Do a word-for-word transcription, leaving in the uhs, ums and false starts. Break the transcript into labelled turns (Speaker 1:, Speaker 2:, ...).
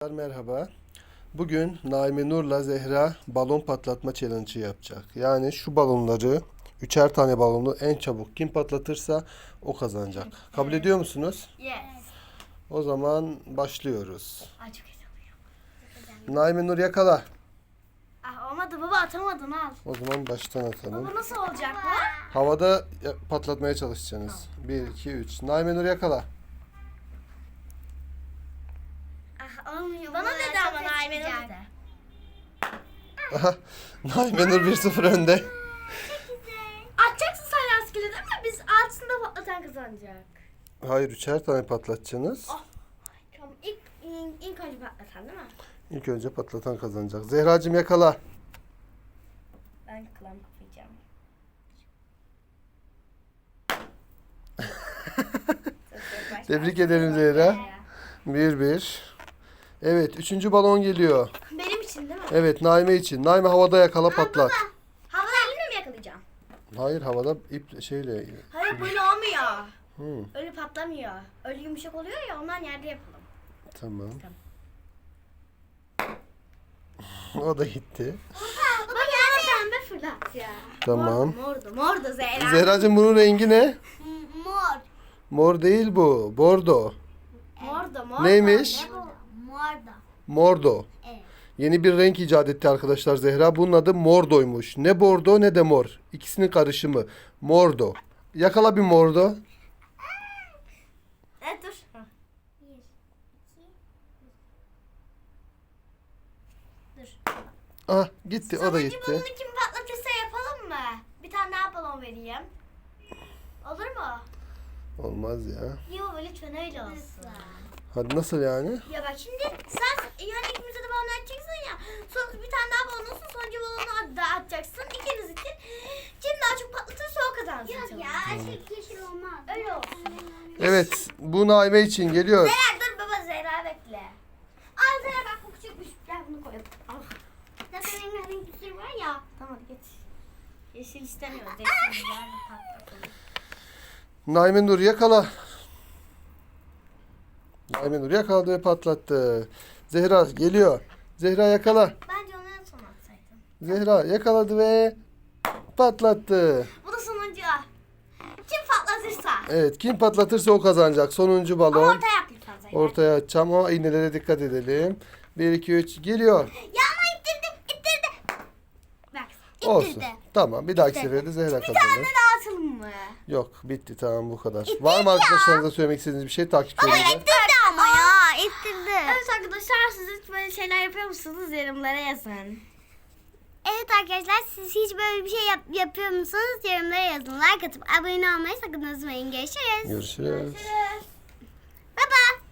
Speaker 1: Merhaba. Bugün Naime Nur'la Zehra balon patlatma challenge'ı yapacak. Yani şu balonları, üçer tane balonu en çabuk kim patlatırsa o kazanacak. Kabul ediyor musunuz?
Speaker 2: Yes.
Speaker 1: O zaman başlıyoruz.
Speaker 2: Ay çok heyecanlıyım.
Speaker 1: Naime Nur yakala.
Speaker 2: Ah olmadı baba, atamadın al.
Speaker 1: O zaman baştan atalım.
Speaker 2: Baba nasıl olacak bu?
Speaker 1: Havada ya- patlatmaya çalışacaksınız. bir, iki, üç. Naime Nur yakala.
Speaker 2: Ah olmuyor. Bana dedi ama Naime Nur dedi.
Speaker 1: Aha, Naime Nur bir sıfır önde.
Speaker 2: Atacaksın sen rastgele değil mi? Biz altısında patlatan kazanacak.
Speaker 1: Hayır, üçer tane patlatacaksınız.
Speaker 2: Oh. Tamam ilk, ilk, ilk önce patlatan değil mi?
Speaker 1: İlk önce patlatan kazanacak. Zehracığım yakala.
Speaker 2: Ben kılam kapayacağım.
Speaker 1: Tebrik ederim Zehra. Bir bir. Evet, üçüncü balon geliyor.
Speaker 2: Benim için değil mi?
Speaker 1: Evet, Naime için. Naime havada yakala patlat.
Speaker 2: Havada elimle mi yakalayacağım?
Speaker 1: Hayır, havada ip şeyle.
Speaker 2: Hayır böyle olmuyor.
Speaker 1: Hı,
Speaker 2: Öyle patlamıyor. Öyle yumuşak oluyor ya, ondan yerde yapalım.
Speaker 1: tamam. O da gitti.
Speaker 2: Baba yani pembe fırlat ya.
Speaker 1: Tamam.
Speaker 2: Mordu, mordu Zehra.
Speaker 1: Zehracığım bunun rengi ne?
Speaker 2: Mor.
Speaker 1: Mor değil bu. Bordo.
Speaker 2: Mordu, mordu.
Speaker 1: Neymiş?
Speaker 2: Ne bu? Mordu.
Speaker 1: Mordo.
Speaker 2: Evet.
Speaker 1: Yeni bir renk icat etti arkadaşlar Zehra. Bunun adı mordoymuş. Ne bordo ne de mor. İkisinin karışımı. Mordo. Yakala bir mordo.
Speaker 2: Evet dur. Dur.
Speaker 1: Ah gitti, o da
Speaker 2: Sonuncu
Speaker 1: gitti.
Speaker 2: balonu kim patlatırsa yapalım mı? Bir tane daha balon vereyim. Olur mu?
Speaker 1: Olmaz ya.
Speaker 2: Yok lütfen öyle olsun.
Speaker 1: Hadi nasıl yani?
Speaker 2: Ya bak şimdi sen yani ikimize de balon atacaksın ya. Sonra bir tane daha balon olsun, sonuncu balonu da atacaksın. İkiniz için kim daha çok patlatırsa o kazansın. Yok ya, açık yeşil olmaz. Öyle olsun.
Speaker 1: Evet, bu Naime için geliyor.
Speaker 2: Zehra dur baba, Zehra bekle. Al Zehra bak, bu küçükmüş. Gel bunu koyalım. Al. Zaten rengarenk bir sürü var ya. Tamam hadi geç. Yeşil istemiyoruz. Yeşil güzel bir patlatalım.
Speaker 1: Naime Nur yakala. Naime Nur yakaladı ve patlattı. Zehra geliyor. Zehra yakala.
Speaker 2: Bence onu en son atsaydım.
Speaker 1: Zehra yakaladı ve patlattı.
Speaker 2: Bu da sonuncu. Kim patlatırsa.
Speaker 1: Evet, kim patlatırsa o kazanacak. Sonuncu
Speaker 2: Ama
Speaker 1: balon.
Speaker 2: ortaya yap lütfen Zehra.
Speaker 1: Ortaya atacağım ama iğnelere dikkat edelim. bir, iki, üç geliyor.
Speaker 2: Ya ama ittirdi, ittirdi. Bak, ittirdi.
Speaker 1: Olsun. Tamam, bir dahaki sefere de Zehra
Speaker 2: Bir tane
Speaker 1: kazanır.
Speaker 2: daha atalım mı?
Speaker 1: Yok, bitti, tamam, bu kadar. Var mı arkadaşlarınıza söylemek istediğiniz bir şey takipçilerinize?
Speaker 2: İttirdi ama ya, ittirdi. Evet arkadaşlar, siz hiç böyle şeyler yapıyor musunuz? Yorumlara yazın. Evet arkadaşlar, siz hiç böyle bir şey yap- yapıyor musunuz? Yorumlara yazın. Like atıp abone olmayı sakın unutmayın. Görüşürüz.
Speaker 1: Görüşürüz.
Speaker 2: Görüşürüz.